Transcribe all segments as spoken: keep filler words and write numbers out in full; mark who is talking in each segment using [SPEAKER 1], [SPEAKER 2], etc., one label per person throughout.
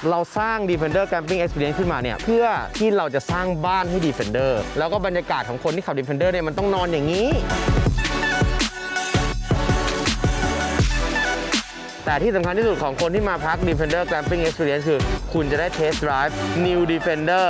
[SPEAKER 1] เราสร้าง Defender Camping Experience ขึ้นมาเนี่ยเพื่อที่เราจะสร้างบ้านให้ Defender แล้วก็บรรยากาศของคนที่ขับ Defender เนี่ยมันต้องนอนอย่างนี้แต่ที่สำคัญที่สุดของคนที่มาพัก Defender Camping Experience คือคุณจะได้ Test Drive New Defender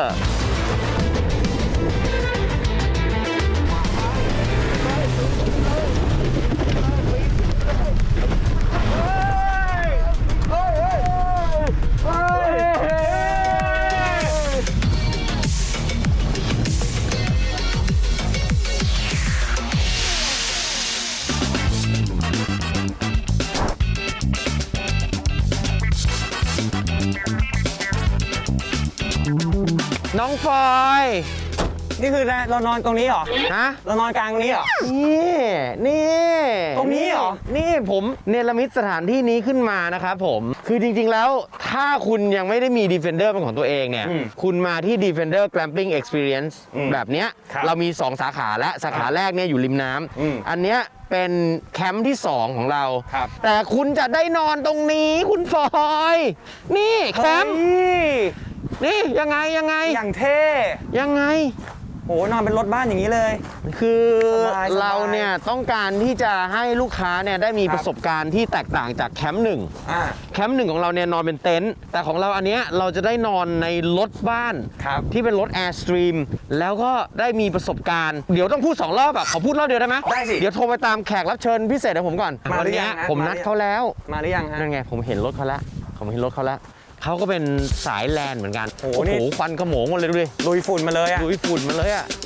[SPEAKER 1] น้องฟอย
[SPEAKER 2] นี่คือเรานอนตรงนี้เหรอ
[SPEAKER 1] ฮะ
[SPEAKER 2] เรานอนกลางตรงนี้เหรอ
[SPEAKER 1] นี่นี่
[SPEAKER 2] ตรงนี้เหรอ
[SPEAKER 1] นี่ผมเนรมิตสถานที่นี้ขึ้นมานะครับผมคือจริงๆแล้วถ้าคุณยังไม่ได้มี Defender เป็นของตัวเองเนี่ยคุณมาที่ Defender Glamping Experience แบบเนี้ยเรามีสองสาขาและสาขาแรกเนี่ยอยู่ริมน้ำอันเนี้ยเป็นแคมป์ที่สองของเราแต่คุณจะได้นอนตรงนี้คุณฟอยนี่แคมป์นี่ยังไงยังไง
[SPEAKER 2] อย่างเท่
[SPEAKER 1] ยังไง
[SPEAKER 2] โหนอนเป็นรถบ้านอย่างนี้เลย
[SPEAKER 1] คือเราเนี่ยต้องการที่จะให้ลูกค้าเนี่ยได้มีประสบการณ์ที่แตกต่างจากแคมป์หนึ่งแคมป์หนึ่งของเราเนี่ยนอนเป็นเต็นท์แต่ของเราอันเนี้ยเราจะได้นอนในรถบ้านที่เป็นรถ Airstream แล้วก็ได้มีประสบการณ์เดี๋ยวต้องพูดสองรอบอ่ะขอพูดรอบเดียวได้ไหม
[SPEAKER 2] ได้สิ
[SPEAKER 1] เดี๋ยวโทรไปตามแขกรับเชิญพิเศษของผมก่อนวันนี้ผมนัดเขาแล้ว
[SPEAKER 2] มาหรือยังฮะ
[SPEAKER 1] นั่นไงผมเห็นรถเขาแล้วผมเห็นรถเขาแล้วเขาก็เป็นสายแลนเหมือนกันโอ้โหควันขโมงหมดเลยดูดิ
[SPEAKER 2] ลุยฝุ่นมาเลยอะ
[SPEAKER 1] ลุยฝุ่นมาเลยอะ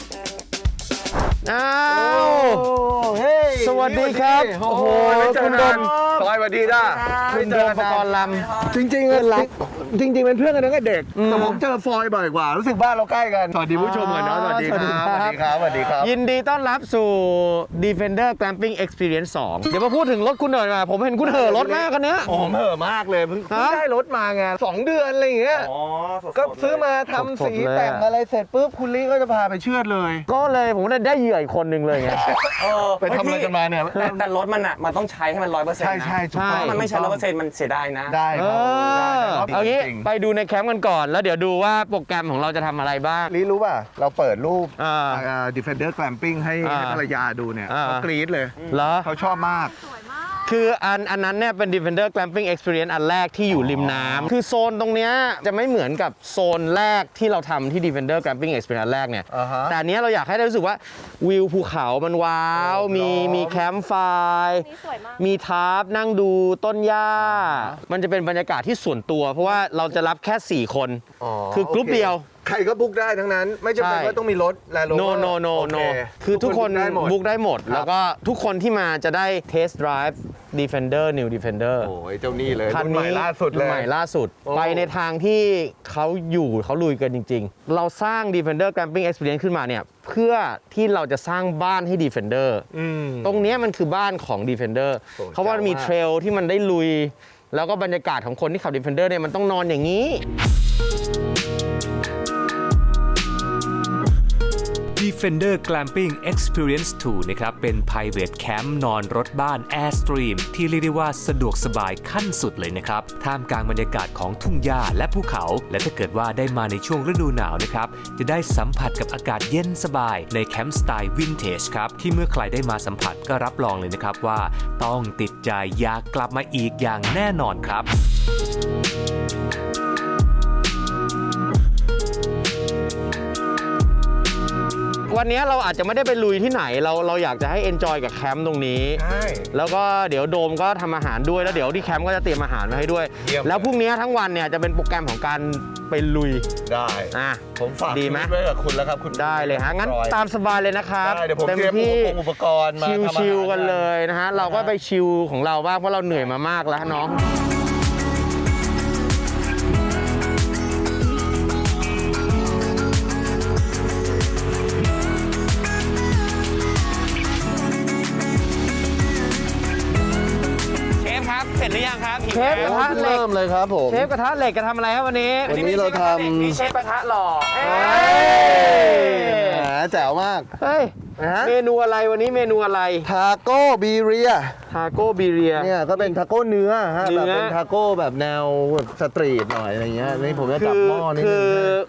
[SPEAKER 1] อ้าวสวัสดีครับโอ้โหคุณดน
[SPEAKER 3] สวัสดีจ้า
[SPEAKER 1] คุณดนประกรณ์ลำ
[SPEAKER 3] จริงๆเป็นรักจริงๆเป็นเพื่อนกันตั้งแต่เด็กแต่ผมเจอฟอยบ่อยกว่ารู้สึกบ้านเราใกล้กันสวัสดีผู้ชมกันเนาะสวัสดีครับสวัสดีครับสวัสดีครับ
[SPEAKER 1] ยินดีต้อนรับสู่ Defender Glamping Experience สองเดี๋ยวมาพูดถึงรถคุณหน่อยมาผมเห็นคุณเห่อรถมากกันเนี้ย
[SPEAKER 3] ผมเห่อมากเลยเพิ่งได้รถมาไงสองเดือนอะไรอย่างเงี้ยก็ซื้อมาทำสีแต่งอะไรเสร็จปุ๊บคุณลี่ก็จะพาไปเชือดเลย
[SPEAKER 1] ก็เลยผมได้เหยื่ออีกคนนึงเลยไง
[SPEAKER 3] ไปทำอะไรกันมาเนี่ย
[SPEAKER 2] แต่รถมันอ่ะมันต้องใช้ให้มันร้อยเปอร์เซ็นต์
[SPEAKER 3] ใช่ใช่ใช่
[SPEAKER 2] มันไม่ใช่ร้อยเปอร์เซ็นต์มันเสียดายนะ
[SPEAKER 3] ได้ครับ
[SPEAKER 1] เอางี้ไปดูในแคมป์กันก่อนแล้วเดี๋ยวดูว่าโปรแกรมของเราจะทำอะไรบ้าง
[SPEAKER 3] ลี่รู้ป่ะเราเปิดรูป Defender Glamping ให้ภรรยาดูเนี่ยเขากรี๊ดเลย
[SPEAKER 1] เหรอ
[SPEAKER 3] เขาชอบมาก
[SPEAKER 1] คืออันอันนั้นเนี่ยเป็น Defender Glamping Experience อันแรกที่อยู่ริมน้ำคือโซนตรงเนี้ยจะไม่เหมือนกับโซนแรกที่เราทำที่ Defender Glamping Experience อันแรกเนี่ย
[SPEAKER 3] uh-huh.
[SPEAKER 1] แต่อันนี้เราอยากให้ได้รู้สึกว่าวิวภูเขามันว้าว oh, มีมีแคมป์ไฟมีทาร์ปนั่งดูต้นหญ้า uh-huh. มันจะเป็นบรรยากาศที่ส่วนตัวเพราะว่าเราจะรับแค่สี่คน
[SPEAKER 3] uh-huh.
[SPEAKER 1] คือกรุ๊ป okay. เดียว
[SPEAKER 3] ใครก็บุ๊กได้ทั้งนั้นไม่จำเป็นว่าต้องมีรถแลนด์โรเวอร์
[SPEAKER 1] no no no no คือทุกคนบุ๊กได้หมดแล้วก็ทุกคนที่มาจะได้ Test Drive Defender New Defender
[SPEAKER 3] โอ้ยเจ้านี่เลยรุ่นใหม่ล่าสุดเลย
[SPEAKER 1] ใหม่ล่าสุดไปในทางที่เขาอยู่เขาลุยกันจริงๆเราสร้าง Defender Glamping Experience ขึ้นมาเนี่ยเพื่อที่เราจะสร้างบ้านให้ Defender ตรงนี้มันคือบ้านของ Defender เพราะว่ามีเทรลที่มันได้ลุยแล้วก็บรรยากาศของคนที่ขับ Defender เนี่ยมันต้องนอนอย่างนี้
[SPEAKER 4] Defender Glamping Experience ทู นะครับเป็น Private Camp นอนรถบ้าน Airstream ที่เรียกได้ว่าสะดวกสบายขั้นสุดเลยนะครับท่ามกลางบรรยากาศของทุ่งหญ้าและภูเขาและถ้าเกิดว่าได้มาในช่วงฤดูหนาวนะครับจะได้สัมผัสกับอากาศเย็นสบายในแคมป์สไตล์วินเทจครับที่เมื่อใครได้มาสัมผัสก็รับรองเลยนะครับว่าต้องติดใจอยากกลับมาอีกอย่างแน่นอนครับ
[SPEAKER 1] วันนี้เราอาจจะไม่ได้ไปลุยที่ไหนเราเราอยากจะให้เอนจอยกับแคมป์ตรงนี้
[SPEAKER 3] ใช่
[SPEAKER 1] แล้วก็เดี๋ยวโดมก็ทำอาหารด้วยแล้วเดี๋ยวที่แคมป์ก็จะเตรียมอาหารมาให้ด้วยแล้วพรุ่งนี้ทั้งวันเนี่ยจะเป็นโปรแกรมของการไปลุย
[SPEAKER 3] ได้
[SPEAKER 1] อ่ะ
[SPEAKER 3] ผมฝาก
[SPEAKER 1] ดีไหม
[SPEAKER 3] ไว้กับคุณแล้วครับคุณ
[SPEAKER 1] ได้เลยฮะงั้นตามสบายเลยนะครับ
[SPEAKER 3] เดี๋ยวผมเตรียมอุปกรณ์มา
[SPEAKER 1] ชิลๆกันเลยนะฮะเราก็ไปชิลของเราบ้างเพราะเราเหนื่อยมามากแล้วน้องเสร็จหรือยังครับ
[SPEAKER 3] เชฟกระทะเหล็กเริ่มเลยครับผม
[SPEAKER 1] เชฟกระทะเหล็กจะทำอะไรครับวันนี้
[SPEAKER 3] วันนี้เราทำ
[SPEAKER 1] นี่เชฟกระทะหล่อ
[SPEAKER 3] แหมแจ๋วมาก
[SPEAKER 1] เฮ้ย
[SPEAKER 3] ฮะ
[SPEAKER 1] เมนูอะไรวันนี้เมนูอะไร
[SPEAKER 3] ทาโก้บีเรีย
[SPEAKER 1] ทาโก้บีเรีย
[SPEAKER 3] เนี่ยก็เป็นทาโก้เนื้อฮะ
[SPEAKER 1] เนื้
[SPEAKER 3] แบ
[SPEAKER 1] อ
[SPEAKER 3] บเป็นทาโก้แบบแนวแบบสตรีทหน่อยอะไรเงี้ยนี่ผมจะจับ
[SPEAKER 1] คือ
[SPEAKER 3] หม้อนิด
[SPEAKER 1] คื
[SPEAKER 3] นึ
[SPEAKER 1] อง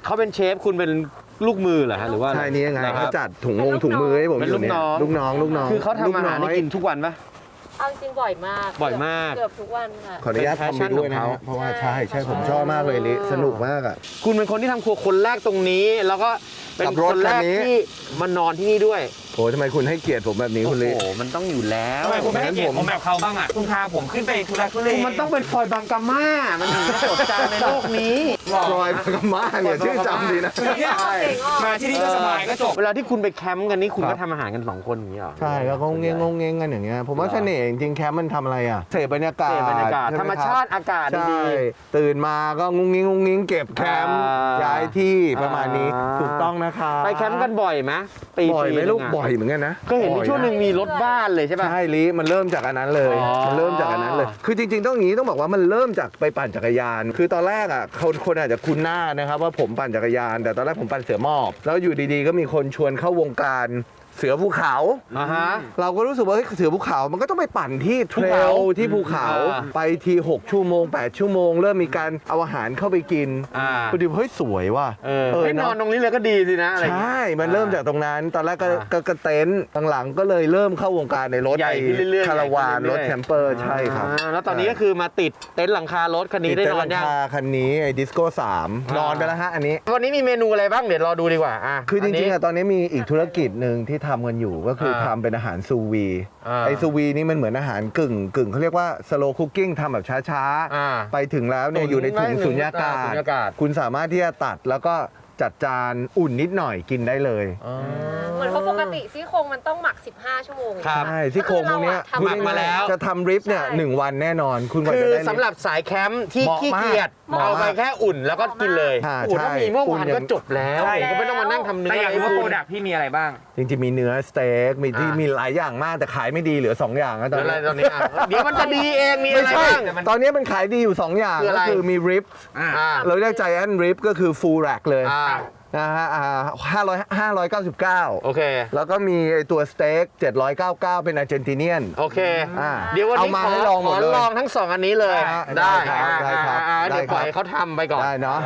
[SPEAKER 1] เขาเป็นเชฟคุณเป็นลูกมือเหรอฮะหรือว่า
[SPEAKER 3] ใช่นี่ยังไง
[SPEAKER 1] นะค
[SPEAKER 3] เขา
[SPEAKER 1] รับ
[SPEAKER 3] จัดถุงงงถุงมือให้ผม
[SPEAKER 1] เป็น
[SPEAKER 3] อยู่
[SPEAKER 1] ลูก
[SPEAKER 3] เนี่ย
[SPEAKER 1] น้อง
[SPEAKER 3] ลูกน้องลูกน้อง
[SPEAKER 1] คือเขาทำอาหารให้กินทุกวันปะ
[SPEAKER 5] เอาจริงบ่อยมาก
[SPEAKER 1] บ่อยมาก
[SPEAKER 5] เกือบทุกวันค่ะ
[SPEAKER 3] ขออนุญาต
[SPEAKER 1] เป็น
[SPEAKER 3] ทำไปด้วยนะ
[SPEAKER 1] passion ของเขา
[SPEAKER 3] ฮะเพราะว่าใช่ใช่ผมชอบมากเลยลิสนุกมากอ่ะ
[SPEAKER 1] คุณเป็นคนที่ทำครัวคนแรกตรงนี้ แล้วก็เป็น
[SPEAKER 3] ขับร
[SPEAKER 1] ค
[SPEAKER 3] ถ
[SPEAKER 1] นแรก
[SPEAKER 3] คันนี้
[SPEAKER 1] ที่มานอนที่นี่ด้วย
[SPEAKER 3] โอ้ทำไมคุณให้เกียรติผมแบบนี้คุณลิ
[SPEAKER 1] โอ้โหมันต้องอยู่แล้ว
[SPEAKER 2] ทำไมคุณไม่ให้เกียรติผมแบบเขาบ้างอ่ะคุณพาผมขึ้นไปทุรักทุเล
[SPEAKER 1] มันต้องเป็นฟอยบางกาม่ามันถึงจะจดจำในโลกนี้
[SPEAKER 3] ฟลอยด์พากามาเนี่ยชื่อจำดีนะ
[SPEAKER 2] ใช่มาที่นี่ก็สบายก็จบ
[SPEAKER 1] เวลาที่คุณไปแคมป์กันนี่คุณ
[SPEAKER 3] ครั
[SPEAKER 1] ก็
[SPEAKER 3] บ
[SPEAKER 1] ทำอาหารกันสองคนอย่างนี้เหรอ
[SPEAKER 3] ใช่แล้วก็งงเงงงงเงงกันอย่างเงี้ยผมว่าเสน่ห์จริงๆแคมป์มันทำอะไรอ่ะเสพบรรยากาศ
[SPEAKER 1] เสพบรรยากาศ
[SPEAKER 3] ใไห
[SPEAKER 1] ธรรมชาติอากาศ
[SPEAKER 3] ใช่
[SPEAKER 1] ดี
[SPEAKER 3] ตื่นมาก็งงงิงงงงิงเก็บแคมป์
[SPEAKER 1] อ่า
[SPEAKER 3] ย้ายที่ประมาณนี้
[SPEAKER 1] อ่า
[SPEAKER 3] ถูกต้องนะคะ
[SPEAKER 1] ๆไปแคมป์กันบ่อยไหมปี
[SPEAKER 3] บ่อยไหม
[SPEAKER 1] ปี
[SPEAKER 3] ลูก
[SPEAKER 1] นึ่งะ
[SPEAKER 3] บ่อยเหมือนกันนะ
[SPEAKER 1] ก็เห็นมี
[SPEAKER 3] บ่อยะ
[SPEAKER 1] ช่วงหนึ่งมีรถบ้านเลยใช่ป่ะ
[SPEAKER 3] ใช่ลิมันเริ่มจากอันนั้นเลย
[SPEAKER 1] อ๋อ
[SPEAKER 3] มันเริ่มจากอันนั้นเลย คือจริงๆต้องอย่างนี้ต้องบอกว่ามันเริ่มจากไปปั่นจักรยาน คือตอนแรกอ่ะคนคนอาจจะคุ้นหน้านะครับว่าผมปั่นจักรยาน แต่ตอนแรกผมปั่นเสือหมอบ แล้วอยู่ดีๆก็มีคนชวนเข้าวงการเสือภูเขา
[SPEAKER 1] อ่าฮะ
[SPEAKER 3] เราก็รู้สึกว่าเฮ้ยเสือภูเขา มันก็ต้องไปปั่นที่เทร
[SPEAKER 1] ภูเขา
[SPEAKER 3] ลที่ภูเขา
[SPEAKER 1] อ่า
[SPEAKER 3] ไปทีหกชั่วโมงแปดชั่วโมง เริ่มมีการเอาอาหารเข้าไปกิน
[SPEAKER 1] อ่า
[SPEAKER 3] พอดีเฮ้ยสวยว่ะ
[SPEAKER 1] เออ
[SPEAKER 3] เออ
[SPEAKER 1] ให้นอน
[SPEAKER 3] เนอะ
[SPEAKER 1] ตรงนี้เลยก็ดีสินะอะไรอย่าง
[SPEAKER 3] ใช่
[SPEAKER 1] เงี้ย
[SPEAKER 3] มันเริ่มจากตรงนั้น ตอนแรกก็
[SPEAKER 1] อ่า
[SPEAKER 3] ก็ก็เต็นท์หลังๆก็เลยเริ่มเข้าวงการในรถ
[SPEAKER 1] ใหญ่ขึ้นเรื่อยๆ
[SPEAKER 3] คาราวาน
[SPEAKER 1] ใหญ่ขึ้นเรื่
[SPEAKER 3] ร
[SPEAKER 1] อยๆ
[SPEAKER 3] ถแคมเปอร์ใช่ครับ
[SPEAKER 1] อ่าแล้วตอนนี้ก็คือมาติดเต็นท์หลังคารถคันนี้ได้
[SPEAKER 3] ติด
[SPEAKER 1] น
[SPEAKER 3] เต็
[SPEAKER 1] อน
[SPEAKER 3] ท์หลั
[SPEAKER 1] ยัง
[SPEAKER 3] งคาคันนี้ไอ้ดิสโก้สาม
[SPEAKER 1] อ่าน
[SPEAKER 3] นอนไปแล้วฮะอันนี้
[SPEAKER 1] วันนี้มีเมนูอะไรบ้างเดี๋ยวรอดูดีกว่าอ่ะ
[SPEAKER 3] คือจริงๆ
[SPEAKER 1] นนี้
[SPEAKER 3] อะตอนนี้มีอีกธุรกิจหนึ่งที่ทำกันอยู่ก็คืออา ทำเป็นอาหารซูวี
[SPEAKER 1] อ่า
[SPEAKER 3] ไอซูวีนี่มันเหมือนอาหารกึ่งกึ่งเขาเรียกว่าสโลคุกกิ้งทำแบบช้า
[SPEAKER 1] อ่า
[SPEAKER 3] ๆ ไปถึงแล้วเนี่ย
[SPEAKER 1] ตุ๋น
[SPEAKER 3] อยู่ในถุง
[SPEAKER 1] ไว้
[SPEAKER 3] สุญญากา
[SPEAKER 1] อ่า
[SPEAKER 3] ศ
[SPEAKER 1] สุญญากาศ
[SPEAKER 3] คุณสามารถที่จะตัดแล้วก็จัดจานอุ่นนิดหน่อยกินได้เลย
[SPEAKER 5] เหมือนเพราะปกติซี่โครงมันต้องหมัก สิบห้า ชั่วโมง
[SPEAKER 1] ครับ
[SPEAKER 3] ใช่ซี่โครงพวกเนี้ย
[SPEAKER 5] ก็คือเราอะทำ
[SPEAKER 3] พูดง่ยๆ
[SPEAKER 1] มาแล้ว
[SPEAKER 3] จะทำริบเนี่ย
[SPEAKER 5] ใช่
[SPEAKER 3] หนึ่งวันแน่นอน คุณกว่า
[SPEAKER 1] คื
[SPEAKER 3] จะ
[SPEAKER 1] อ
[SPEAKER 3] ได้ริบ
[SPEAKER 1] สำหรับสายแคมป์ที่
[SPEAKER 3] เหมาะ
[SPEAKER 1] ขี้
[SPEAKER 3] มาก
[SPEAKER 1] เกียจ
[SPEAKER 3] เหมาะ
[SPEAKER 1] เอาไป
[SPEAKER 3] มาก
[SPEAKER 1] แค่อุ่นแล้วก็กินเลย
[SPEAKER 3] อ่า
[SPEAKER 1] โอ้โหถ้า
[SPEAKER 3] ใช่
[SPEAKER 1] มีหม้อ
[SPEAKER 3] อุ่น
[SPEAKER 1] หวาน
[SPEAKER 3] อย่าง
[SPEAKER 1] ก็จบแล้ว
[SPEAKER 2] ใช่
[SPEAKER 1] ก็ไม่ต้องมานั่งทำเนื้อ
[SPEAKER 2] แต่อยากรู้ว่า
[SPEAKER 1] ให้
[SPEAKER 2] โปร
[SPEAKER 1] คุณ
[SPEAKER 2] ดักพี่มีอะไรบ้าง
[SPEAKER 3] จริงๆมีเนื้อสเต็กมีที่
[SPEAKER 1] อ่ามี
[SPEAKER 3] มีหลายอย่างมากแต่ขายไม่ดีเหลือสองอย่างนะต
[SPEAKER 1] เดี๋
[SPEAKER 3] อ
[SPEAKER 1] ยวน อะไร
[SPEAKER 3] นี้
[SPEAKER 1] ตอนนี้อ่ะเดี๋ยวมันจะดีเองมี
[SPEAKER 3] ไม่
[SPEAKER 1] อะไร
[SPEAKER 3] ใช่
[SPEAKER 1] บ้าง
[SPEAKER 3] ตอนนี้มันขายดีอยู่สองอย่าง
[SPEAKER 1] คืออะไร
[SPEAKER 3] ก็คือมีริบ
[SPEAKER 2] อ่า
[SPEAKER 1] อ่า
[SPEAKER 3] เราเรียกใจแอนริบก็คือฟูลแร็กเลย
[SPEAKER 1] อ่า
[SPEAKER 3] นะฮะอ่าห้าร้อยห้าร้อยเก้าสิบเก้า
[SPEAKER 1] โอเค
[SPEAKER 3] แล้วก็มีไอ้ตัวสเต็กเจ็ดร้อยเก้าสิบเก้าเป็นอาร์เจนติเนียน
[SPEAKER 1] โอเค
[SPEAKER 3] อ่า
[SPEAKER 1] เดี๋ยววันนี้
[SPEAKER 3] เอามา
[SPEAKER 1] ขอ
[SPEAKER 3] ให้ลองหมด
[SPEAKER 1] ขอ
[SPEAKER 3] เลย
[SPEAKER 1] ลองทั้งสองอันนี้เลย
[SPEAKER 3] ได้
[SPEAKER 1] ได้
[SPEAKER 3] ครับได้ครับ
[SPEAKER 1] อ่าอ่า
[SPEAKER 3] ได้
[SPEAKER 1] เดี๋ยวปล่อย
[SPEAKER 3] ครับ
[SPEAKER 1] ให้เขาทำไปก่อน
[SPEAKER 3] ได้เนาะ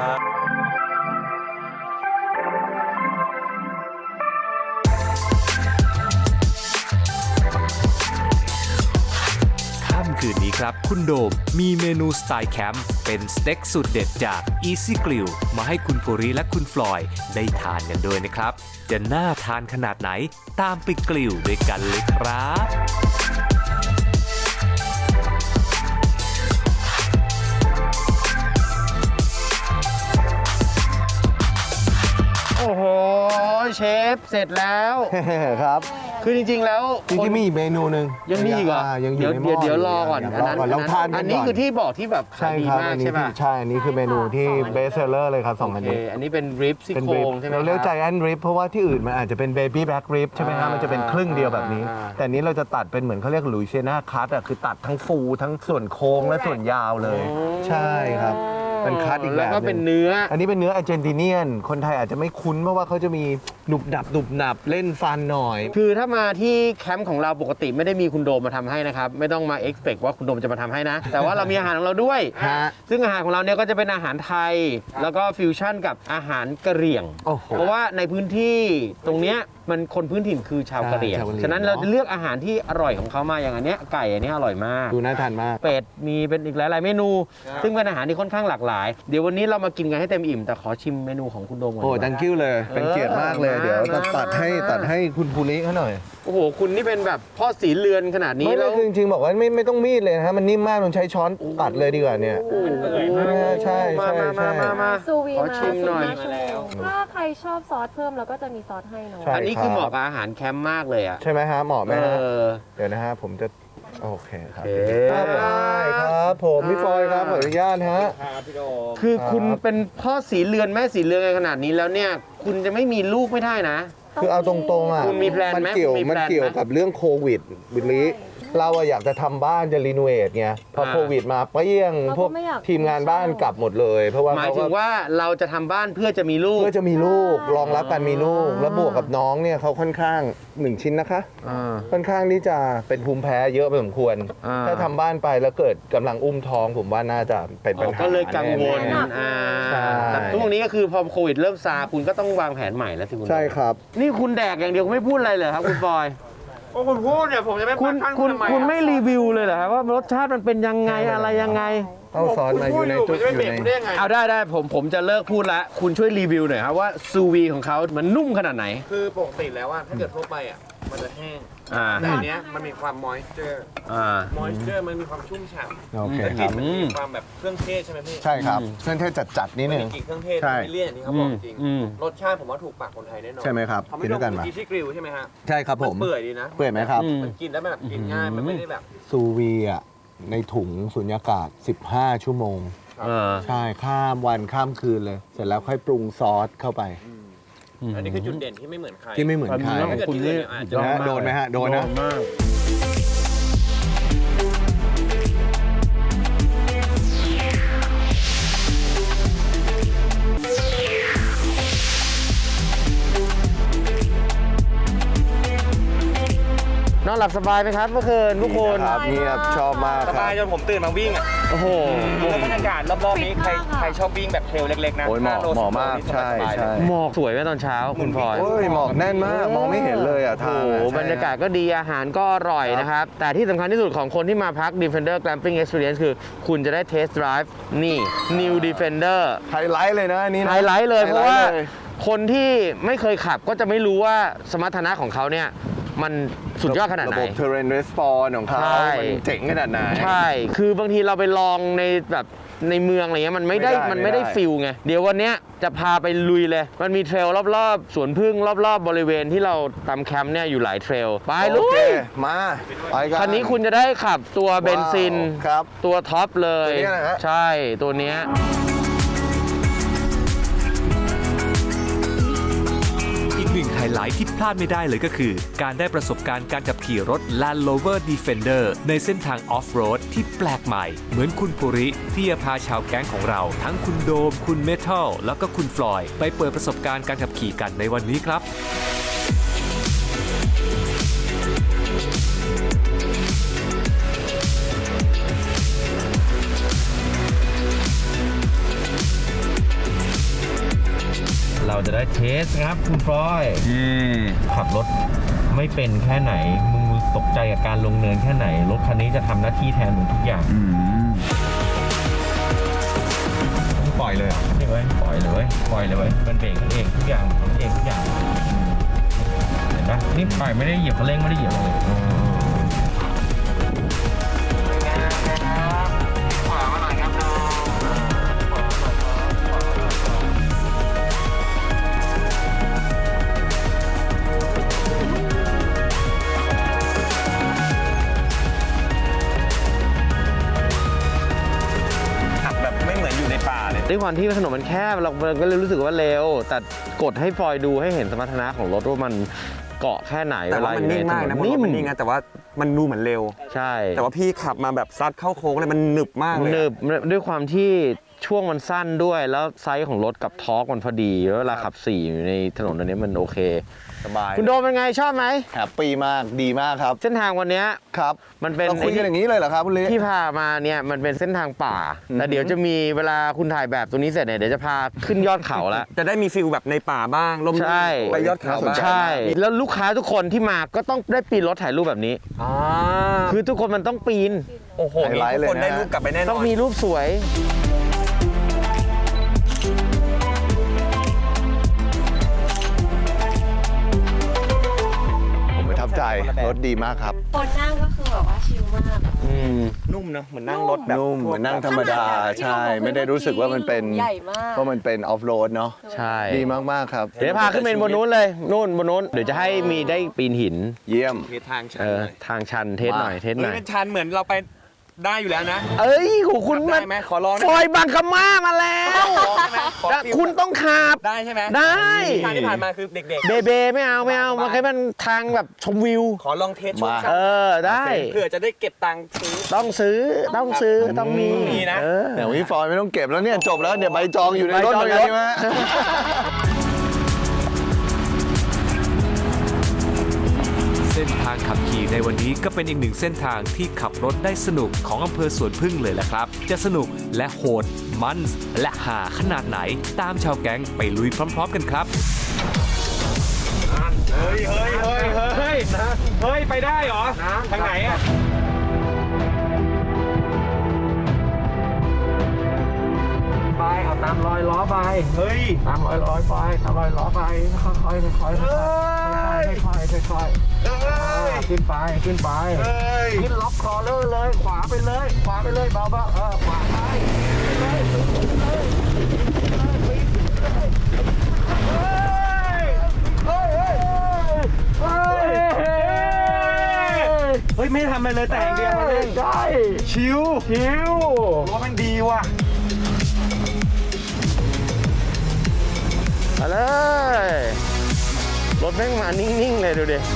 [SPEAKER 4] ค่ำคืนนี้ครับ คุณโดมมีเมนูสไตล์แคมป์เป็นสเต็กสุดเด็ดจาก Easy Grill มาให้คุณภูริและคุณฟลอยได้ทานกันด้วยนะครับ จะน่าทานขนาดไหนตามไปกลิวด้วยกันเลยครับ
[SPEAKER 1] โอ้โหเชฟเสร็จแล้ว
[SPEAKER 3] ครับ
[SPEAKER 1] คือจริงๆแล้ว
[SPEAKER 3] จริงๆมีอีกเมนูหนึ่ง
[SPEAKER 1] ยังมีอีกเหรอ
[SPEAKER 3] อ่ายังอ
[SPEAKER 1] เดี๋ย
[SPEAKER 3] ยู่
[SPEAKER 1] ว
[SPEAKER 3] ในหม้
[SPEAKER 1] เดี๋ยว
[SPEAKER 3] อ
[SPEAKER 1] เดี๋ยวรอก่อน
[SPEAKER 3] ยัง
[SPEAKER 1] อัน
[SPEAKER 3] รอ
[SPEAKER 1] นั้น
[SPEAKER 3] ก่อนเราทานกั
[SPEAKER 1] อั
[SPEAKER 3] น
[SPEAKER 1] นนี้
[SPEAKER 3] ก่อน
[SPEAKER 1] คือที่บอกที่แบบ
[SPEAKER 3] ใช่
[SPEAKER 1] ขายดี
[SPEAKER 3] ครับ
[SPEAKER 1] มาก
[SPEAKER 3] อันนี้
[SPEAKER 1] ใช่ป่ะ
[SPEAKER 3] ที่ใช่อันนี้คือเมนูที่เบสเซอร์เลยครับสองอัน
[SPEAKER 1] โอเค
[SPEAKER 3] นี้
[SPEAKER 1] อันนี้เป็นริบซี่
[SPEAKER 3] เป็น
[SPEAKER 1] โคร
[SPEAKER 3] ริบ
[SPEAKER 1] งใช่ไหม
[SPEAKER 3] เราเรียก
[SPEAKER 1] ค
[SPEAKER 3] ใจ
[SPEAKER 1] บ
[SPEAKER 3] แอนริบเพราะว่าที่อื่นมันอาจจะเป็นเบบี้แบ็กริบใช่ไหมฮะ
[SPEAKER 1] อ่ามั
[SPEAKER 3] มันจะเป็นครึ่งเดียวแบบนี้
[SPEAKER 1] อ่า
[SPEAKER 3] แต่อันนี้เราจะตัดเป็นเหมือนเขาเรียกลุยเซน่าคัตอ่ะคือตัดทั้งฟูทั้งส่วนโค้งและส่วนยาวเลย ใช่ครับเป็นคัตอีกแบบ
[SPEAKER 1] แล้วก็
[SPEAKER 3] ห
[SPEAKER 1] เป็
[SPEAKER 3] นึ่
[SPEAKER 1] น
[SPEAKER 3] ง
[SPEAKER 1] เนื้อ
[SPEAKER 3] อันนี้เป็นเนื้ออาร์เจนติเนียน คนไทยอาจจะไม่คุ้นเพราะว่าเขาจะมีหนุบหนับหนุบหนับเล่นฟันหน่อย
[SPEAKER 1] คือถ้ามาที่แคมป์ของเราปกติไม่ได้มีคุณโดมมาทำให้นะครับ ไม่ต้องมาเอ็กซ์เพว่าคุณโดมจะมาทำให้นะ แต่ว่าเรามีอาหารของเราด้วย
[SPEAKER 3] ฮะ
[SPEAKER 1] ซึ่งอาหารของเราเนี่ยก็จะเป็นอาหารไทย แล้วก็ฟิวชั่นกับอาหารกะเหรี่ยง
[SPEAKER 3] โอ้โห
[SPEAKER 1] เพราะว่าในพื้นที่ตรงเนี้ยมันคนพื้นถิ่นคือชาวกะเหรี่ยง
[SPEAKER 3] ใช่ชาวกะเหรี่ยง
[SPEAKER 1] ฉะนั้นเราจะเลือกอาหารที่อร่อยของเขามาอย่างอันเนี้ยไก่อันเนี้ยอร่อยมาก
[SPEAKER 3] ดูน่าทานมาก
[SPEAKER 1] เป็ดมีเป็นอีกหลาย ๆ เมนู ซึ่งเป็นอาหารที่ค่อนข้างหลากหลาย เดี๋ยววันนี้เรามากินกันให้เต็มอิ่ม แต่ขอชิมเมนูของคุณโดมก่อน
[SPEAKER 3] โอ้
[SPEAKER 1] ดีกว่า
[SPEAKER 3] ดังกิ้วเลย เป็นเกียรติมากเลย
[SPEAKER 1] เออ
[SPEAKER 3] เดี๋ยว
[SPEAKER 1] มา
[SPEAKER 3] ตัดให้
[SPEAKER 1] มา
[SPEAKER 3] ตัดให้คุณภูริเขาหน่อย
[SPEAKER 1] โอ้โห คุณนี่เป็นแบบพ่อสีเรือนขนาดนี้
[SPEAKER 3] ไม่
[SPEAKER 1] แล้
[SPEAKER 3] ไม่
[SPEAKER 1] ว
[SPEAKER 3] คือจริงๆบอกว่าไม่ไม่ต้องมีดเลยนะฮะมันนิ่มมากมันใช้ช้อนตัดเลยดีกว่าเนี่ย
[SPEAKER 1] โอ้โห
[SPEAKER 3] ใช่ใช่
[SPEAKER 1] มามา
[SPEAKER 3] ใช่
[SPEAKER 1] มามามา
[SPEAKER 5] ซูวี
[SPEAKER 1] ขอ
[SPEAKER 5] มา
[SPEAKER 1] ชิมหน่อย
[SPEAKER 5] สิบห้าชั่วโมงถ้าใครชอบซอสเพิ่มเราก็จะมีซอสให้เนาะ
[SPEAKER 3] ใช่
[SPEAKER 1] อันนี้คือเหมาะกับอาหารแคมป์มากเลยอ่ะ
[SPEAKER 3] ใช่ไหมฮะเหมาะไหม
[SPEAKER 1] เอ
[SPEAKER 3] ฮะ
[SPEAKER 1] อ
[SPEAKER 3] เดี๋ยวนะฮะผมจะโอเคครับ
[SPEAKER 1] โอเค
[SPEAKER 3] ครับได้ครับผมพี่ฟอยครับขออนุญาตฮะ
[SPEAKER 1] คือคุณ
[SPEAKER 3] ครับ
[SPEAKER 1] เป็นพ่อสีเรือนแม่สีเรือนกันขนาดนี้แล้วเนี่ย คุณจะไม่มีลูกไม่ได้นะ
[SPEAKER 3] คือเอาตรงๆอ่ะ
[SPEAKER 1] คุณมีแพลนไหม
[SPEAKER 3] มันเกี่ยว
[SPEAKER 1] มีแพลนไหม
[SPEAKER 3] มันเกี่ยวกับเรื่องโควิดวิลลี่เราอะอยากจะทำบ้านจะรีโนเวทไงพอ
[SPEAKER 1] อ่า
[SPEAKER 3] โควิดมาเปรี้ยง
[SPEAKER 5] เราก็
[SPEAKER 3] พวก
[SPEAKER 5] ไม่อยาก
[SPEAKER 3] ทีมงานบ้านกลับหมดเลย เพราะว่า
[SPEAKER 1] หมาย
[SPEAKER 3] เขา
[SPEAKER 1] ถึ
[SPEAKER 3] ก็
[SPEAKER 1] งว่าเราจะทำบ้านเพื่อจะมีลูก
[SPEAKER 3] เพื่อจะมีลูกรองรับการมีลูก แล้วบวกกับน้องเนี่ยเขาค่อนข้างหนึ่งชิ้นนะคะ
[SPEAKER 1] อ่า
[SPEAKER 3] ค่อนข้างที่จะเป็นภูมิแพ้เยอะพอสมควร
[SPEAKER 1] อ่า
[SPEAKER 3] ถ้าทำบ้านไปแล้วเกิดกำลังอุ้มท้องผมว่าน่าจะเป็นปัญหา
[SPEAKER 1] ก็เลยกังวล
[SPEAKER 3] แน่
[SPEAKER 1] อ่า
[SPEAKER 3] ใช่
[SPEAKER 1] แต่ทุกวันนี้ก็คือพอโควิดเริ่มซาคุณก็ต้องวางแผนใหม่แล้วสิคุณ
[SPEAKER 3] ๆใช่ครับ
[SPEAKER 1] นี่คุณแดกอย่างเดียวไม่พูดอะไรเลยครับคุณฟอย
[SPEAKER 2] โอ้คุณพูดเนี่ยผมจะไม่
[SPEAKER 1] คุณ
[SPEAKER 2] พัก
[SPEAKER 1] คุณ
[SPEAKER 2] ทำไม
[SPEAKER 1] คุณไม่รีวิวเลยเหรอครับว่ารสชาติมันเป็นยังไงอะไรยังไง
[SPEAKER 3] เอาซอสมาอยู่ใน
[SPEAKER 2] จุ
[SPEAKER 3] จุ
[SPEAKER 2] ด
[SPEAKER 3] ด
[SPEAKER 2] จะ
[SPEAKER 3] อ
[SPEAKER 2] ไม่
[SPEAKER 3] ยู่
[SPEAKER 2] เบรก
[SPEAKER 3] ใน
[SPEAKER 2] คุณได้ยังไง
[SPEAKER 1] เอาได้ได้ผมผมจะเลิกพูดละคุณช่วยรีวิวหน่อยครับว่าซูวีของเขามันนุ่มขนาดไหน
[SPEAKER 2] คือปกติแล้วว่าถ้าเกิดทั่วไปอ่ะมันจะแห้ง
[SPEAKER 1] อ่า
[SPEAKER 2] แต่อันเนี้ยมันมีความมอยเจอร์
[SPEAKER 1] อ่า
[SPEAKER 2] มอยเจอร์มันมีความชุ่มฉ่ำ
[SPEAKER 3] โอเค
[SPEAKER 2] แล้ว
[SPEAKER 3] ค
[SPEAKER 2] กลิ่
[SPEAKER 3] รับ
[SPEAKER 2] นมันมีความแบบเครื่องเทศใช่ไหมพี่
[SPEAKER 3] ใช่ครับเครื่องเทศจัดๆนิด
[SPEAKER 2] มัน
[SPEAKER 3] นึ
[SPEAKER 2] มี
[SPEAKER 3] ง
[SPEAKER 2] กลิ่นเครื่องเทศ
[SPEAKER 3] ใช่
[SPEAKER 2] ไม่เลี่ยนอย่างที่เขาบอกจริง
[SPEAKER 1] อืม
[SPEAKER 2] รสชาติผมว่าถูกปากคนไทยแน่นอน
[SPEAKER 3] ใช่ไหมครับ
[SPEAKER 2] เขา
[SPEAKER 3] กิ
[SPEAKER 2] ไม่
[SPEAKER 3] น
[SPEAKER 2] ต้
[SPEAKER 3] ด้
[SPEAKER 2] อ
[SPEAKER 3] วยกัน
[SPEAKER 2] ง
[SPEAKER 3] มา
[SPEAKER 2] กินที่กริลใช่ไหมฮะ
[SPEAKER 3] ใช่ครับผม
[SPEAKER 2] นเปื่อยดีนะ
[SPEAKER 3] เปื่อยไหมครับ
[SPEAKER 1] อืม
[SPEAKER 2] มันกินแล้วแบบกินง่ายมันไม่ได้แบบ
[SPEAKER 3] ซูวีอ่ะในถุงสุญญากาศ สิบห้า ชั่วโมง
[SPEAKER 1] เออ
[SPEAKER 3] ใช่ข้ามวันข้ามคืนเลย เสร็จแล้วค่อยปรุงซอสเข้าไป
[SPEAKER 2] อันนี้คือจุดเด่นที่ไม่เหมือนใคร
[SPEAKER 3] ที่ไม่เหมือนใคร
[SPEAKER 1] ความจริงแล้ว
[SPEAKER 2] ถ้าเกิดที่อื่นเนี่ยอาจจะ
[SPEAKER 3] นะโดนไหมฮะโดนนะ
[SPEAKER 1] มาก นอนหลับสบายไหมครับเมื่อคืนทุกคน
[SPEAKER 3] ครับเงียบชอบมาก
[SPEAKER 2] ส
[SPEAKER 3] ครับ
[SPEAKER 2] บายจนผมตื่นมาวิ่งอ่ะ
[SPEAKER 1] โอ้โห
[SPEAKER 2] แล้วบรรยากาศรอบๆนี้ใครใครชอบวิ่งแบบเทรลเล็กๆนะ
[SPEAKER 3] โอ้ยเหมาะ
[SPEAKER 2] ห้โล
[SPEAKER 3] เหมาะ
[SPEAKER 2] สิบโล
[SPEAKER 3] มาก
[SPEAKER 2] นี่
[SPEAKER 3] ใช่
[SPEAKER 2] สบายๆ
[SPEAKER 3] ใช่
[SPEAKER 2] เลย
[SPEAKER 1] หมอกสวยไหมตอนเช้าคุณพลอย
[SPEAKER 3] โอ้ยหมอกแน่นมาก มองไม่เห็นเลยอ่ะทาง
[SPEAKER 1] โอ้โห
[SPEAKER 3] อะใช่
[SPEAKER 1] บรรยากาศก็ดีอาหารก็อร่อยนะครับ แต่ที่สำคัญที่สุดของคนที่มาพัก Defender Glamping Experience คือคุณจะได้ Test Drive นี่ New Defender
[SPEAKER 3] ไฮไลท์เลยนะอันนี้นะ
[SPEAKER 1] ไฮไลท์เลย
[SPEAKER 3] ไฮ
[SPEAKER 1] เพ
[SPEAKER 3] ไล
[SPEAKER 1] ราะ
[SPEAKER 3] ท์
[SPEAKER 1] ว่า
[SPEAKER 3] เลย
[SPEAKER 1] คนที่ไม่เคยขับก็จะไม่รู้ว่าสมรรถนะของเขาเนี่ย มันสุดยอดขนาดไหน
[SPEAKER 3] ระบบ Terrain Response ของเขา
[SPEAKER 1] ใช่
[SPEAKER 3] มันเจ๋งขนาดไหน
[SPEAKER 1] ใช่ คือบางทีเราไปลองในแบบในเมืองอะไรเงี้ยมันไม่ได้
[SPEAKER 3] ไม่ได้
[SPEAKER 1] มันไม่ได้
[SPEAKER 3] ไม่ได้
[SPEAKER 1] ฟิลไง เดี๋ยววันเนี้ยจะพาไปลุยเลย มันมีเทรลรอบๆ สวนพึ่งรอบๆ บริเวณที่เราตามแคมป์เนี่ยอยู่หลายเทรล ไปลุ
[SPEAKER 3] โอเค
[SPEAKER 1] ย
[SPEAKER 3] มาไปกัน
[SPEAKER 1] คันนี้คุณจะได้ขับตัวเบนซิน
[SPEAKER 3] ว้าวครับ
[SPEAKER 1] ตัวท็อปเลย
[SPEAKER 3] ตัวเนี้ยนะฮะ
[SPEAKER 1] ใช่ตัวเนี้ย
[SPEAKER 4] อีกหนึ่งไฮไลท์ที่พลาดไม่ได้เลยก็คือ การได้ประสบการณ์การขับขี่รถ Land Rover Defender ในเส้นทางออฟโรดที่แปลกใหม่ เหมือนคุณภูริที่จะพาชาวแก๊งของเรา ทั้งคุณโดม คุณเมทัลแล้วก็คุณฟลอยด์ไปเปิดประสบการณ์การขับขี่กันในวันนี้ครับ
[SPEAKER 1] เราจะได้เทสครับคุณฟลอยขับรถไม่เป็นแค่ไหน มึงตกใจกับการลงเนินแค่ไหน รถคันนี้จะทำหน้าที่แทนมึงทุกอย่างปล่อยเลยนี่เว้ยปล่อยเลยเว้ยปล่อยเลยเว้ยมันเบรกเองทุกอย่างทำเองทุกอย่างเห็นปะนี่ปล่อยไม่ได้เหยียบคันเร่งไม่ได้เหยียบเลย
[SPEAKER 2] ขับแบบไม่เหมือนอยู่ในป่าเลย
[SPEAKER 1] ด้วยความที่ถนนมันแคบเราก็เลยรู้สึกว่าเร็ว แต่กดให้ฟลอยดูให้เห็นสมรรถนะของรถว่ามันเกาะแค่ไหน
[SPEAKER 2] แต่ว่ามันนิ่งมากนะผม
[SPEAKER 1] นิ่
[SPEAKER 2] ว่าม มันนิ่งนะแต่ว่ามันดูเหมือนเร็ว
[SPEAKER 1] ใช่
[SPEAKER 2] แต่ว่าพี่ขับมาแบบซัดเข้าโค้งเลยมันหนึบมากเลย
[SPEAKER 1] หนึบด้วยความที่ช่วงมันสั้นด้วยแล้วไซส์ของรถกับทอร์กมันพอดีแล้วเวลาขับสี่อยู่ในถนนอันนี้มันโอเค
[SPEAKER 3] สบาย
[SPEAKER 1] คุณโดมเป็นไงชอบไหม
[SPEAKER 3] แฮปปี้มากดีมากครับ
[SPEAKER 1] เส้นทางวันเนี้ย
[SPEAKER 3] ครับ
[SPEAKER 1] มันเป็น
[SPEAKER 3] เราคุยกันอย่างนี้เลยเหรอครับคุณลิ
[SPEAKER 1] ที่พามาเนี่ยมันเป็นเส้นทางป่าแต่เดี๋ยวจะมีเวลาคุณถ่ายแบบตัวนี้เสร็จเนี่ยเดี๋ยวจะพาขึ้นยอดเขาละ
[SPEAKER 2] จะได้มีฟิลแบบในป่าบ้างลม
[SPEAKER 1] ใช่
[SPEAKER 2] ไปยอดเขาบ้าง
[SPEAKER 1] ใช่ แล้วลูกค้าทุกคนที่มาก็ต้องได้ปีนรถถ่ายรูปแบบนี้
[SPEAKER 2] อ่า
[SPEAKER 1] คือทุกคนมันต้องปีน
[SPEAKER 2] โอ้โห
[SPEAKER 3] ไฮไลท์
[SPEAKER 2] ทุกคน
[SPEAKER 3] เลยนะ
[SPEAKER 2] ได้รูปกลับไปแน่นอน
[SPEAKER 1] ต้องมีรูปสวย
[SPEAKER 3] ผมประทับใจรถดีมากครับ
[SPEAKER 5] คนนั่งก็คือแบบว่าชิลมาก
[SPEAKER 1] อืม
[SPEAKER 2] นุ่มเนอะเหมือนนั่งรถแบบ
[SPEAKER 3] นุ่มเหมือนนั่งธรรมดาใช่ ไม่ได้รู้สึกว่ามันเป็น
[SPEAKER 5] ใหญ่มาก
[SPEAKER 3] ว่ามันเป็นออฟโรดเนาะ
[SPEAKER 1] ใช่
[SPEAKER 3] ดีมาก ๆ ครับ
[SPEAKER 1] เดี๋ยวพาขึ้นไปบนนู้นเลยนู่นบนนู้นเดี๋ยวจะให้มีได้ปีนหิน
[SPEAKER 3] เยี่ยม
[SPEAKER 2] เททางชัน
[SPEAKER 1] เออ
[SPEAKER 2] เลย
[SPEAKER 1] ทางชันเทสหน่อยเทสห
[SPEAKER 2] เฮ้
[SPEAKER 1] น่
[SPEAKER 2] ย
[SPEAKER 1] อย
[SPEAKER 2] เป็นชันเหมือนเราไปได้อยู่แล้วนะ
[SPEAKER 1] เอ้ยโหคุณ
[SPEAKER 2] ได้
[SPEAKER 1] มา
[SPEAKER 2] ไหมขอลอง
[SPEAKER 1] ซอยบางกะมามาแล้ว
[SPEAKER 2] ขอลองได้ไหมขอฟิล
[SPEAKER 1] คุณต้องขับ
[SPEAKER 2] ได้ใช่ไหม
[SPEAKER 1] ได้
[SPEAKER 2] ทางที่ผ่านมาคือเด็ก
[SPEAKER 1] เบเบไม่เอาไม่เอามันแค่มันทางแบบชมวิว
[SPEAKER 2] ๆ ขอลองเทสช่วง
[SPEAKER 3] มา
[SPEAKER 2] สั้
[SPEAKER 1] เอน อได้
[SPEAKER 2] เพื่อจะได้เก็บตังค์ซื้อ
[SPEAKER 1] ต้องซื้อต้องซื้อต้องมี
[SPEAKER 2] มีนะ
[SPEAKER 1] เออ
[SPEAKER 3] เดี๋ยวพี่ฟอยไม่ต้องเก็บแล้วเนี่ยจบแล้วเดี๋ยวใบจองอยู่ในรถ
[SPEAKER 1] ใบจอง
[SPEAKER 3] เหมือนกันใช่ไหม
[SPEAKER 4] เส้นทางขับขี่ในวันนี้ก็เป็นอีกหนึ่งเส้นทางที่ขับรถได้สนุกของอำเภอสวนพึ่งเลยแหละครับ จะสนุกและโหดมันส์และหาขนาดไหนตามชาวแก๊งไปลุยพร้อมๆกันครับ
[SPEAKER 2] เฮ้ยเฮ้ยเฮ้ยเฮ้ยเฮ้ย ไปได้เหรอ ทางไหนอะ
[SPEAKER 1] ไปเอาตามรอยล้อไป
[SPEAKER 2] เฮ้ย
[SPEAKER 1] ตามรอยล้อไปตามรอยล้อไปค่อยๆค่อยๆค่อยๆค่อยๆค่อยๆค่อยๆขึ้นไปขึ้นไปขึ้นล็อกคอเลอร์เลยขวาไปเลยขวาไปเลยเบาๆเออขวาไป
[SPEAKER 2] เฮ้ย ไม่ทำอะไรเลยแต่อย่างเดียวมาเล่น
[SPEAKER 1] ใช่
[SPEAKER 2] ชิว
[SPEAKER 1] ชิว
[SPEAKER 2] ว่ามันดีว่ะ
[SPEAKER 1] มาเลยรถแม่งมานิ่งๆเลยดูดิ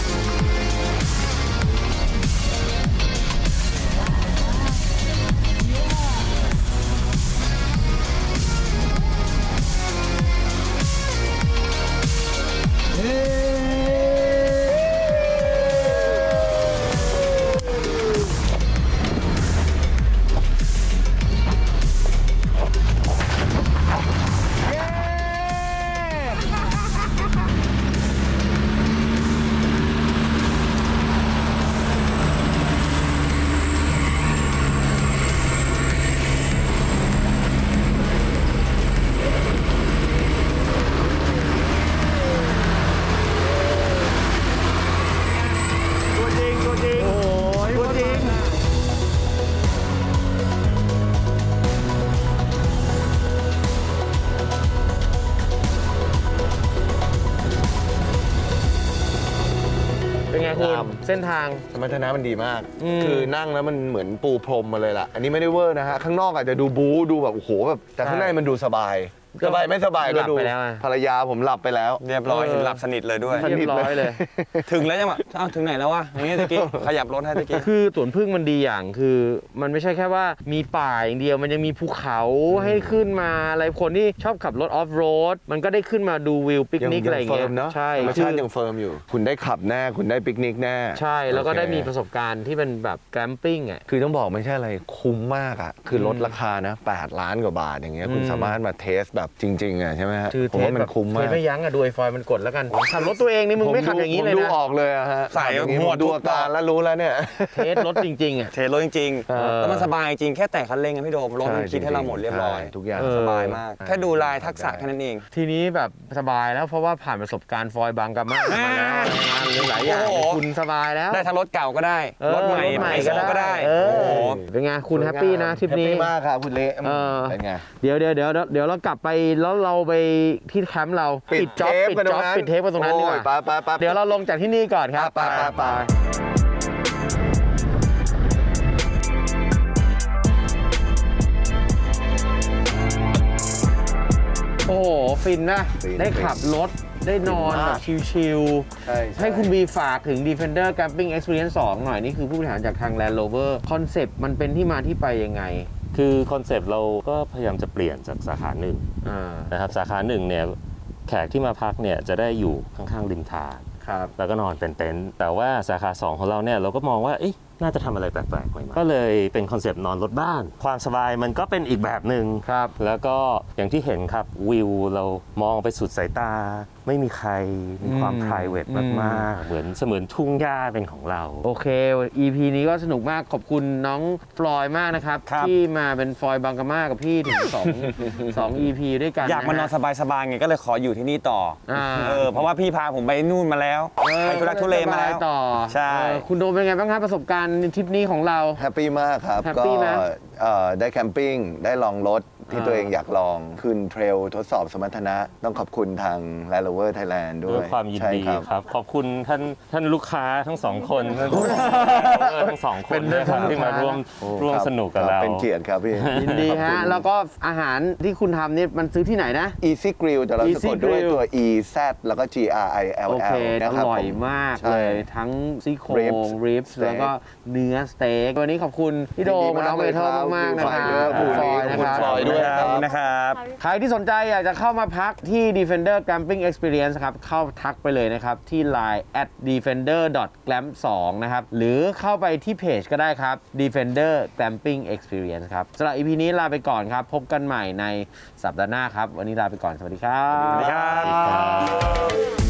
[SPEAKER 1] ตัวจริงตัวจริงโอ้ยตัวจริงเป็นไงคุณเส้นทาง
[SPEAKER 3] สมรรถนะมันดีมาก
[SPEAKER 1] อืม
[SPEAKER 3] คือนั่งแล้วมันเหมือนปูพรมมาเลยล่ะ อันนี้ไม่ได้เวอร์นะฮะ ข้างนอกอาจจะดูบู๊ดูแบบโอ้โหแบบแต่ข้างในมันดูสบาย สบายไม่สบายก็ดู
[SPEAKER 1] หลับไปแล้วอะ
[SPEAKER 3] ภรรยาผมหลับไปแล้ว
[SPEAKER 2] เรียบร้อยเห็นหลับสนิทเลยด้วย
[SPEAKER 1] เรียบร้อยเลย
[SPEAKER 2] ถึงแล้วยังแบบอ้าวถึงไหนแล้ววะอย่างนี้ตะกี้ขยับรถให้ตะกี้
[SPEAKER 1] คือสวนพึ่งมันดีอย่างคือมันไม่ใช่แค่ว่ามีป่าอย่างเดียวมันยังมีภูเขาให้ขึ้นมาอะไรคนที่ชอบขับรถออฟโรดมันก็ได้ขึ้นมาดูวิวปิกนิกอะไรอย่าง
[SPEAKER 3] เฟิ
[SPEAKER 1] เงี้
[SPEAKER 3] ร์
[SPEAKER 1] ย
[SPEAKER 3] มเนาะ
[SPEAKER 1] ใช่
[SPEAKER 3] ธรรมชาติยังเฟิร์มอยู่ คุณได้ขับแน่ คุณได้ปิกนิกแน่
[SPEAKER 1] ใช่แล้วก็
[SPEAKER 3] โอเค
[SPEAKER 1] ได้มีประสบการณ์ที่เป็นแบบแกมปิ้งอ่ะ
[SPEAKER 3] คือต้องบอกไม่ใช่อะไรคุ้มมากอ่ะ คือลดราคานะแปดล้านกว่าบาทอย่างเงี้ยคุณ
[SPEAKER 1] อืม
[SPEAKER 3] สามารถมาเทสแบบจริงๆอ่ะใช่ไหมฮะ
[SPEAKER 1] คือ
[SPEAKER 3] ผม
[SPEAKER 1] เทส
[SPEAKER 3] ว่ามั
[SPEAKER 1] แบ
[SPEAKER 3] น
[SPEAKER 1] บ
[SPEAKER 3] คุ้ม
[SPEAKER 1] เท
[SPEAKER 3] มา
[SPEAKER 1] ส
[SPEAKER 3] ก
[SPEAKER 1] ไม่ยั้งอ่ะดูไอฟอยมันกดแล้วกันขับรถตัวเองนี่มึงไม่ขับอย่างนี้เลย
[SPEAKER 3] ผมดู
[SPEAKER 1] นะ
[SPEAKER 3] ออกเลยอะฮะ
[SPEAKER 2] ใส่
[SPEAKER 3] อย่างนี้
[SPEAKER 2] หัว
[SPEAKER 3] ผมดู
[SPEAKER 2] ทุก
[SPEAKER 3] อาการแล้วรู้แล้วเนี่ย
[SPEAKER 1] เทสรถจริงๆอ่ะ
[SPEAKER 2] เทรถจริง
[SPEAKER 1] เออ
[SPEAKER 2] ๆแล้วมันสบายจริงแค่แต่คันเร่งอะพี่โดมรถมัน
[SPEAKER 3] ใช่
[SPEAKER 2] คิดให้เราหมดเรียบร้อย
[SPEAKER 3] ใช่ทุกอย่าง
[SPEAKER 1] เออ
[SPEAKER 2] สบายมาก แค่ดูลายทักษะ
[SPEAKER 3] ได้
[SPEAKER 2] แค่นั้นเอง
[SPEAKER 1] ทีนี้แบบสบายแล้วเพราะว่าผ่านประสบการณ์ฟอยบางกะมามาแล้วงานหลายอย่าง
[SPEAKER 2] โอ้โห
[SPEAKER 1] คุณสบายแล้ว
[SPEAKER 2] ได้ทั้งรถเก่าก็ได้
[SPEAKER 1] เออ
[SPEAKER 2] รถใหม่
[SPEAKER 1] รถใหม่
[SPEAKER 2] ไอโซก็ได้
[SPEAKER 1] เอ
[SPEAKER 2] โอ้
[SPEAKER 1] อ
[SPEAKER 2] โห
[SPEAKER 1] เป็นไงคุณแฮปปี้นะทริปนี้
[SPEAKER 3] แฮปปี้มากครับคุณเละ
[SPEAKER 1] เออ
[SPEAKER 3] เป็นไง
[SPEAKER 1] เดี๋ยวเดี๋ยวเดี๋ยวเดี๋ยวเรากลับไปแล้วเราไปที่แคมป์เราจ็อบ
[SPEAKER 3] เทป
[SPEAKER 1] ปิด
[SPEAKER 3] กันตร
[SPEAKER 1] จ็อบ
[SPEAKER 3] งนั้น
[SPEAKER 1] ปิดเทปกันตรงนั้นดีกว่า
[SPEAKER 3] โอ้ยไปไปไป
[SPEAKER 1] เดี๋ยวเราลงจากที่นี่ก่อนครับ
[SPEAKER 3] ไปไปไป
[SPEAKER 1] โอ้โหฟินนะ
[SPEAKER 3] ฟิน
[SPEAKER 1] ได้ขับรถได้นอน
[SPEAKER 3] ฟิน
[SPEAKER 1] แบ
[SPEAKER 3] มาก
[SPEAKER 1] บชิล
[SPEAKER 3] ใช่
[SPEAKER 1] ๆให้คุณบีฝากถึง Defender Camping Experience สองหน่อยนี่คือผู้บริหารจากทาง Land Rover คอนเซปต์มันเป็นที่มาที่ไปยังไง
[SPEAKER 6] คือคอนเซปต์เราก็พยายามจะเปลี่ยนจากสาขาหนึ่ง
[SPEAKER 1] อ่า
[SPEAKER 6] นะครับสาขาหนึ่งเนี่ยแขกที่มาพักเนี่ยจะได้อยู่ข้างๆริมทาง
[SPEAKER 1] ครับ
[SPEAKER 6] แล้วก็นอนเป็นเต็นท์แต่ว่าสาขาสองของเราเนี่ยเราก็มองว่าเอ๊ะน่าจะทำอะไรแปลกๆใหม่ๆก็เลยเป็นคอนเซปต์นอนรถบ้าน ความสบายมันก็เป็นอีกแบบหนึ่ง
[SPEAKER 1] ครับ
[SPEAKER 6] แล้วก็อย่างที่เห็นครับวิวเรามองไปสุดสายตา ไม่มีใครมีความ
[SPEAKER 1] อืม
[SPEAKER 6] private
[SPEAKER 1] อืม
[SPEAKER 6] มากๆเหมือนเสมือนทุ่งหญ้าเป็นของเรา
[SPEAKER 1] โอเค อี พี นี้ก็สนุกมากขอบคุณน้องฟลอยมากนะครับ
[SPEAKER 2] ครับ
[SPEAKER 1] ที่มาเป็นฟลอยบางกะมากับพี่ถึง2 2 อี พี ด้วยกัน
[SPEAKER 2] อยากมานอน
[SPEAKER 1] ฮะ
[SPEAKER 2] สบายๆไงก็เลยขออยู่ที่นี่ต่ออา เออเพราะว่าพี่พาผมไปนู่นมาแล้ว
[SPEAKER 1] เออ
[SPEAKER 2] ไปทุรักทุเลมาแล้ว
[SPEAKER 1] สบยต่อ
[SPEAKER 2] ใช่
[SPEAKER 1] เออคุณโดมเป็นไงบ้างครับประสบการณ์ทริปนี้ของเรา
[SPEAKER 3] แฮปปี้มากครับ
[SPEAKER 1] แฮป
[SPEAKER 3] ก็
[SPEAKER 1] ปี้ไหม
[SPEAKER 3] เอ่อได้แคมปิ้งได้ลองรถที่
[SPEAKER 1] อ่า
[SPEAKER 3] ตัวเองอยากลองขึ้นเทรลทดสอบสมรรถนะ ต้องขอบคุณทาง Land Rover Thailand ด้
[SPEAKER 6] ด้
[SPEAKER 3] ว
[SPEAKER 6] วย ยความยิน
[SPEAKER 3] ใช่
[SPEAKER 6] ดี
[SPEAKER 3] ครับ
[SPEAKER 6] ครับ ขอบคุณท่านท่านลูกค้าทั้งสองคนทั้งสองคนด้วยครับที่มาร่วมร่วม
[SPEAKER 3] ครับ
[SPEAKER 6] สนุกกับ
[SPEAKER 3] ค
[SPEAKER 6] เรา
[SPEAKER 3] เป็นเกียรติครับพี่
[SPEAKER 1] ยินดีฮะ แล้วก็อาหารที่คุณทำนี่มันซื้อที่ไหนนะ
[SPEAKER 3] Easy Grill แต่เราสะ
[SPEAKER 1] Easy
[SPEAKER 3] กดด้วย
[SPEAKER 1] Grill
[SPEAKER 3] ตัว E Z แล้วก็ G R I L
[SPEAKER 1] โอเค
[SPEAKER 3] L
[SPEAKER 1] อ
[SPEAKER 3] นะครับ
[SPEAKER 1] ร่อย
[SPEAKER 3] ผม
[SPEAKER 1] มาก
[SPEAKER 3] ใช่
[SPEAKER 1] เลยทั้งซี่โครง
[SPEAKER 3] Ribs
[SPEAKER 1] ริบส์
[SPEAKER 3] steak
[SPEAKER 1] แล้วก็เนื้อสเต็กวันนี้ขอบคุณพี่โดม
[SPEAKER 3] ยินดี
[SPEAKER 1] น้อง
[SPEAKER 3] มาก
[SPEAKER 1] เบเทิล
[SPEAKER 3] เลยครับ
[SPEAKER 1] มากๆนะครับ
[SPEAKER 3] ขอบคุณ
[SPEAKER 1] ฟอยนะ
[SPEAKER 3] ขอบคุ
[SPEAKER 1] ค
[SPEAKER 3] ณ
[SPEAKER 1] รับ
[SPEAKER 3] ฟอยด้วย
[SPEAKER 2] นะครับ
[SPEAKER 1] ใครที่สนใจอยากจะเข้ามาพักที่ Defender Glamping Experience ครับ เข้าทักไปเลยนะครับ ที่ ไลน์ แอท ดีเฟนเดอร์ ดอท แกลมป์ ทู นะครับ หรือเข้าไปที่เพจก็ได้ครับ Defender Glamping Experience ครับสำหรับ อี พี นี้ลาไปก่อนครับ พบกันใหม่ในสัปดาห์หน้าครับ วันนี้ลาไปก่อน สวัสดีครับ
[SPEAKER 2] สวัสดีครับ